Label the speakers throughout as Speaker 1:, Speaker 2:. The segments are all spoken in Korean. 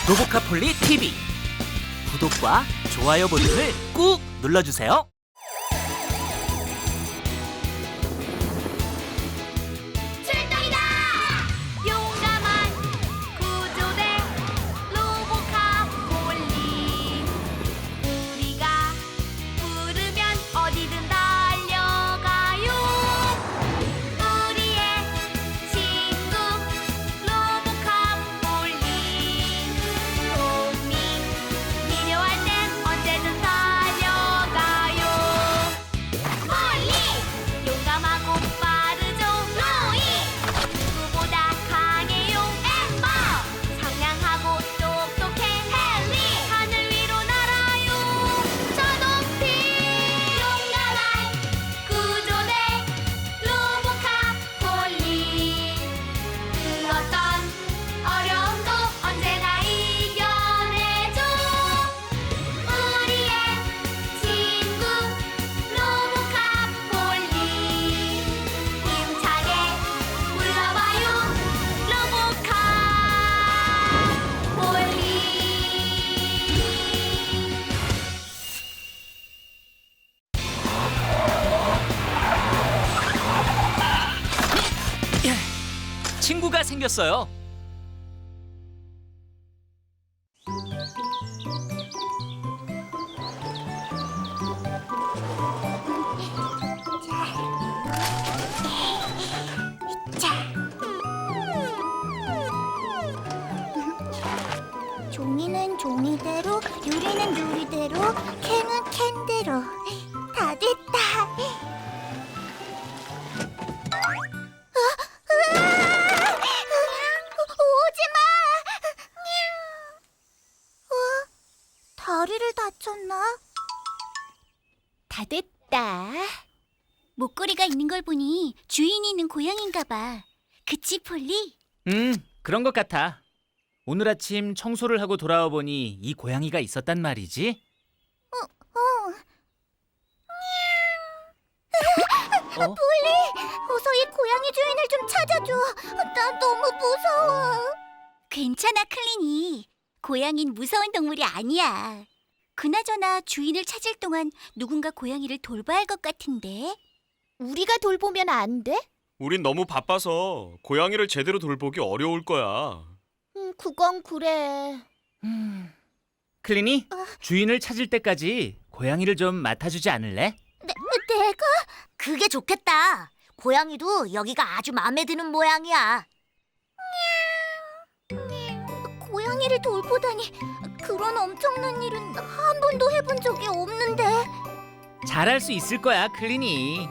Speaker 1: 로보카폴리 TV 구독과 좋아요 버튼을 꾹 눌러주세요.
Speaker 2: 출동이다! 용감한 구조대 로보카폴리 우리가 부르면 어디든 달려가요. 우리의 친구 로보카폴리 도움이 필요할 땐 언제든 달려가요. 폴리 용감하고 빠르죠. 로이 누구보다 강해요. 엠버 상냥하고 똑똑해. 헨리 하늘 위로 날아요. 저 높이 용감한 구조대 로보카폴리 그 어떤 어려움도 언제나 이겨내죠. 우리의 친구 로보카폴리 힘차게 불러봐요. 로보카폴리.
Speaker 1: 친구가 생겼어요.
Speaker 2: 종이는 종이대로, 유리는 유리대로, 캔은 캔대로. 다 됐다. 오지 마. 다리를 다쳤나?
Speaker 3: 다 됐다. 목걸이가 있는 걸 보니 주인이 있는 고양인가 봐. 그치, 폴리?
Speaker 1: 그런 것 같아. 오늘 아침 청소를 하고 돌아와 보니 이 고양이가 있었단 말이지.
Speaker 2: 어서 이 고양이 주인을 좀 찾아줘. 나 너무 무서워.
Speaker 3: 괜찮아, 클린이. 고양이는 무서운 동물이 아니야. 그나저나 주인을 찾을 동안 누군가 고양이를 돌봐야 할 것 같은데.
Speaker 2: 우리가 돌보면 안 돼?
Speaker 4: 우린 너무 바빠서 고양이를 제대로 돌보기 어려울 거야.
Speaker 2: 그건 그래.
Speaker 1: 클린이 주인을 찾을 때까지 고양이를 좀 맡아주지 않을래?
Speaker 2: 내가?
Speaker 3: 그게 좋겠다. 고양이도 여기가 아주 마음에 드는 모양이야.
Speaker 2: 고양이를 돌보다니 그런 엄청난 일은 한 번도 해본 적이 없는데.
Speaker 1: 잘할 수 있을 거야, 클린이.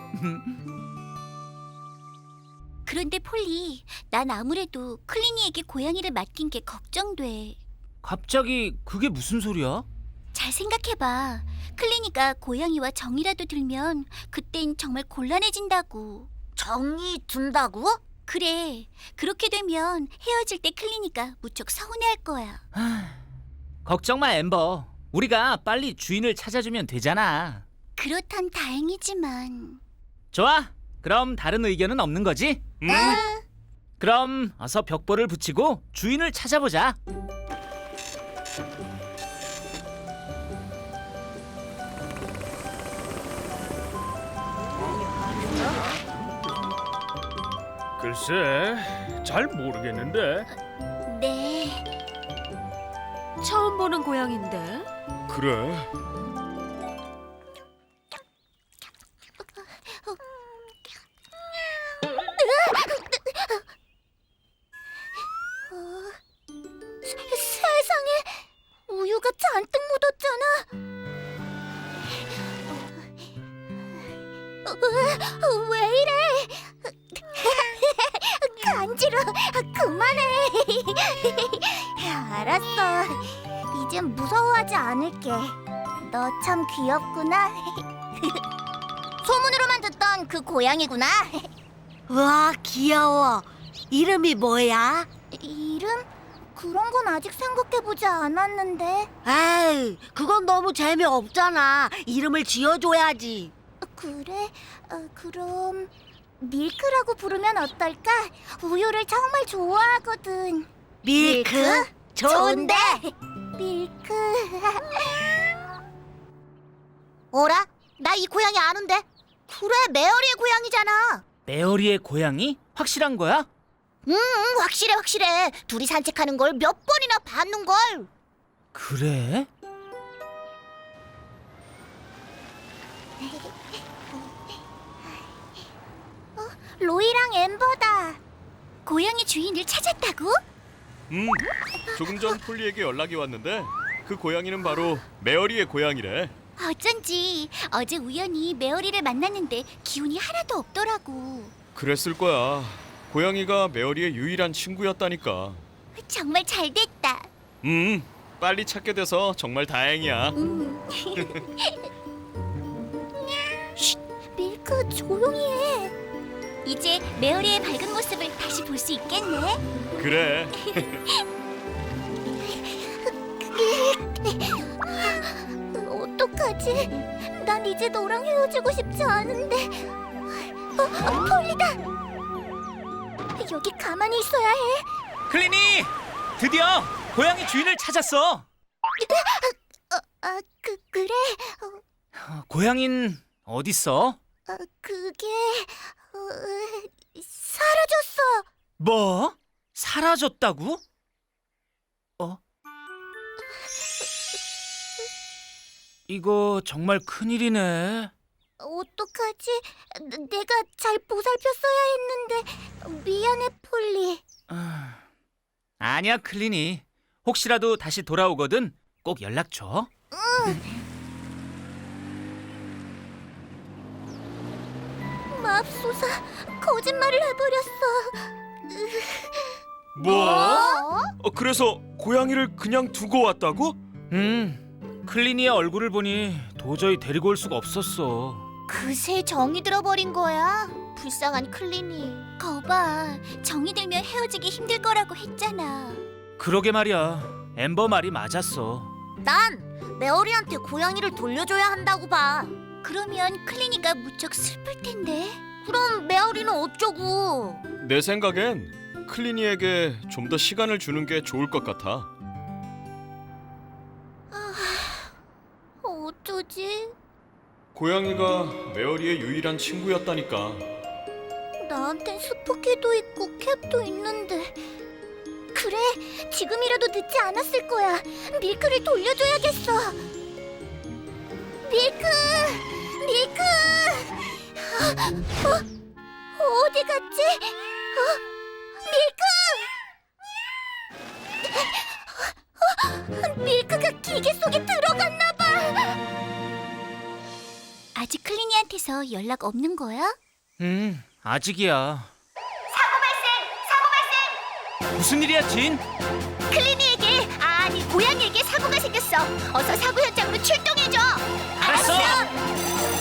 Speaker 3: 그런데 폴리, 난 아무래도 클린이에게 고양이를 맡긴 게 걱정돼.
Speaker 1: 갑자기 그게 무슨 소리야?
Speaker 3: 잘 생각해봐. 클린이가 고양이와 정이라도 들면 그땐 정말 곤란해진다고. 정이 든다고? 그래. 그렇게 되면 헤어질 때 클린이가 무척 서운해할 거야.
Speaker 1: 걱정 마, 엠버. 우리가 빨리 주인을 찾아주면 되잖아.
Speaker 3: 그렇단 다행이지만.
Speaker 1: 좋아. 그럼 다른 의견은 없는 거지? 그럼 어서 벽보를 붙이고 주인을 찾아보자.
Speaker 5: 글쎄, 잘 모르겠는데.
Speaker 3: 네.
Speaker 6: 처음 보는 고양인데.
Speaker 4: 그래?
Speaker 2: 세상에 우유가 잔뜩 묻었잖아. 왜 이래? 간지러. 그만해. 알았어. 이젠 무서워하지 않을게. 너 참 귀엽구나. 소문으로만 듣던 그 고양이구나.
Speaker 6: 와, 귀여워. 이름이 뭐야?
Speaker 2: 이름? 그런 건 아직 생각해보지 않았는데.
Speaker 6: 에이, 그건 너무 재미없잖아. 이름을 지어줘야지.
Speaker 2: 그래? 그럼 밀크라고 부르면 어떨까? 우유를 정말 좋아하거든.
Speaker 6: 밀크?
Speaker 2: 좋은데? 밀크. 어라? 나 이 고양이 아는데? 그래, 메어리의 고양이잖아.
Speaker 1: 메어리의 고양이? 확실한 거야?
Speaker 2: 확실해. 둘이 산책하는 걸 몇 번이나 봤는걸.
Speaker 1: 그래?
Speaker 2: 로이랑 엠버다.
Speaker 3: 고양이 주인을 찾았다고?
Speaker 4: 조금 전 폴리에게 연락이 왔는데 그 고양이는 바로 메어리의 고양이래.
Speaker 3: 어쩐지 어제 우연히 메어리를 만났는데 기운이 하나도 없더라고.
Speaker 4: 그랬을 거야. 고양이가 메어리의 유일한 친구였다니까.
Speaker 3: 정말 잘 됐다.
Speaker 4: 빨리 찾게 돼서 정말 다행이야.
Speaker 2: 밀크, 조용히 해.
Speaker 3: 이제 메어리의 밝은 모습을 다시 볼 수 있겠네.
Speaker 4: 그래.
Speaker 2: 어떡하지? 난 이제 너랑 헤어지고 싶지 않은데. 폴리다. 여기 가만히 있어야 해.
Speaker 1: 클리니! 드디어 고양이 주인을 찾았어.
Speaker 2: 그래.
Speaker 1: 고양이는 어딨어?
Speaker 2: 그게 사라졌어.
Speaker 1: 뭐? 사라졌다고? 이거 정말 큰일이네.
Speaker 2: 어떡하지? 내가 잘 보살폈어야 했는데. 미안해, 폴리.
Speaker 1: 아니야, 클리니. 혹시라도 다시 돌아오거든 꼭 연락 줘.
Speaker 2: 맙소사, 거짓말을 해버렸어.
Speaker 4: 뭐? 그래서 고양이를 그냥 두고 왔다고?
Speaker 1: 클리니의 얼굴을 보니 도저히 데리고 올 수가 없었어.
Speaker 2: 그새 정이 들어버린 거야. 불쌍한 클리니.
Speaker 3: 거봐, 정이 들면 헤어지기 힘들 거라고 했잖아.
Speaker 1: 그러게 말이야. 엠버 말이 맞았어.
Speaker 2: 난 메어리한테 고양이를 돌려줘야 한다고 봐.
Speaker 3: 그러면 클리니가 무척 슬플 텐데.
Speaker 2: 그럼 메어리는 어쩌고?
Speaker 4: 내 생각엔 클리니에게 좀 더 시간을 주는 게 좋을 것 같아.
Speaker 2: 어쩌지?
Speaker 4: 고양이가 메어리의 유일한 친구였다니까.
Speaker 2: 나한텐 스포키도 있고 캡도 있는데. 그래, 지금이라도 늦지 않았을 거야. 밀크를 돌려줘야겠어. 밀크! 어디 갔지? 밀크! 밀크가 기계 속에 들어갔나 봐.
Speaker 3: 아직 클리니한테서 연락 없는 거야?
Speaker 1: 아직이야. 사고 발생! 무슨 일이야, 진?
Speaker 2: 클리니에게, 아니 고양이에게 사고가 생겼어. 어서 사고 현장으로 출동해줘.
Speaker 1: 알았어.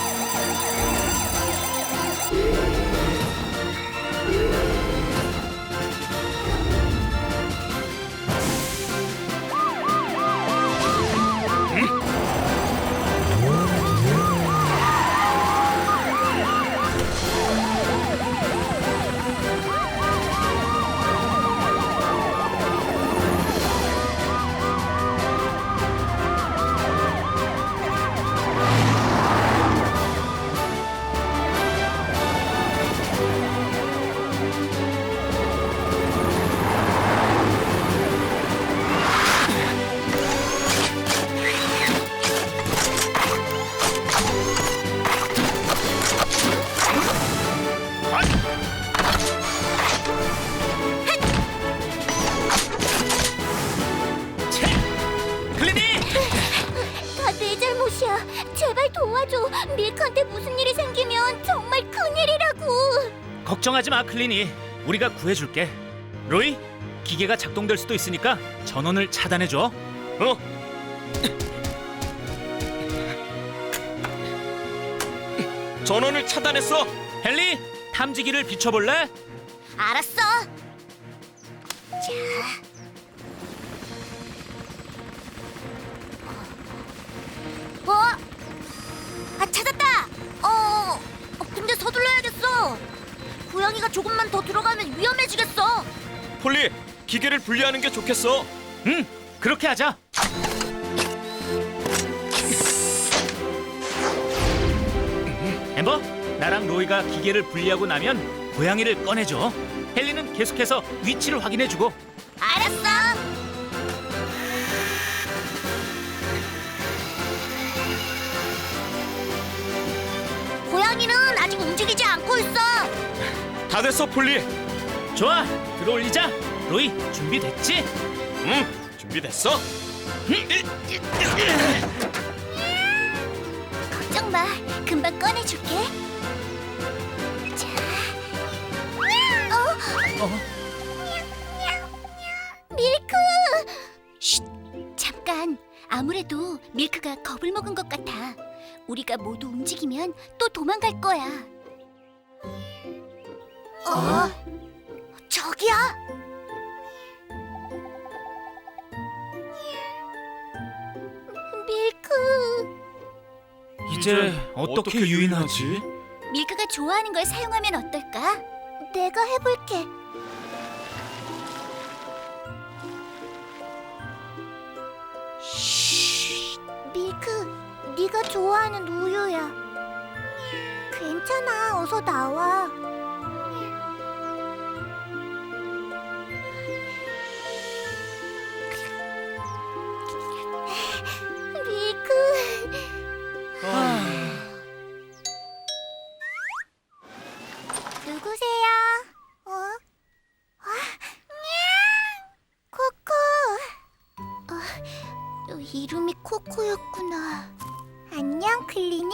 Speaker 1: 클리니!
Speaker 2: 다 내 잘못이야. 제발 도와줘. 밀크한테 무슨 일이 생기면 정말 큰일이라고.
Speaker 1: 걱정하지 마, 클리니. 우리가 구해줄게. 로이, 기계가 작동될 수도 있으니까 전원을 차단해줘.
Speaker 4: 전원을 차단했어.
Speaker 1: 헨리, 탐지기를 비춰볼래?
Speaker 2: 알았어. 찾았다. 근데 서둘러야겠어. 고양이가 조금만 더 들어가면 위험해지겠어.
Speaker 4: 폴리, 기계를 분리하는 게 좋겠어.
Speaker 1: 응, 그렇게 하자. 엠버, 나랑 로이가 기계를 분리하고 나면 고양이를 꺼내줘. 헨리는 계속해서 위치를 확인해주고.
Speaker 2: 알았어. 고양이는 아직 움직이지 않고 있어.
Speaker 4: 다 됐어, 폴리.
Speaker 1: 좋아, 들어올리자. 로이, 준비됐지?
Speaker 4: 응, 준비됐어.
Speaker 3: 걱정 마. 금방 꺼내줄게. 자.
Speaker 2: 밀크.
Speaker 3: 쉿. 잠깐. 아무래도 밀크가 겁을 먹은 것 같아. 우리가 모두 움직이면 또 도망갈 거야.
Speaker 2: 저기야. 밀크.
Speaker 1: 이제 어떻게 유인하지?
Speaker 3: 밀크가 좋아하는 걸 사용하면 어떨까?
Speaker 2: 내가 해볼게. 밀크, 네가 좋아하는 우유야. 괜찮아, 어서 나와. 밀크. 누구세요? 코코. 이름이 코코였구나. 안녕, 클리니?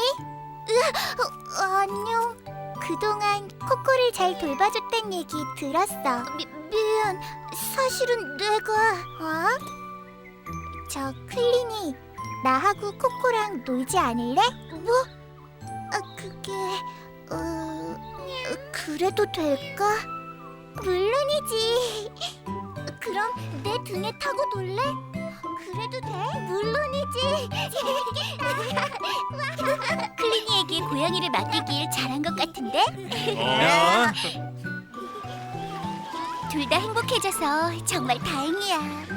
Speaker 2: 안녕. 그동안 코코를 잘 돌봐줬단 얘기 들었어. 미안. 사실은 내가... 저 클리니, 나하고 코코랑 놀지 않을래? 뭐? 그게... 그래도 될까? 물론이지. 그럼 내 등에 타고 놀래? 그래도 돼? 물론이지.
Speaker 3: 클리니에게 고양이를 맡기길 잘한 것 같은데? 둘 다 행복해져서 정말 다행이야.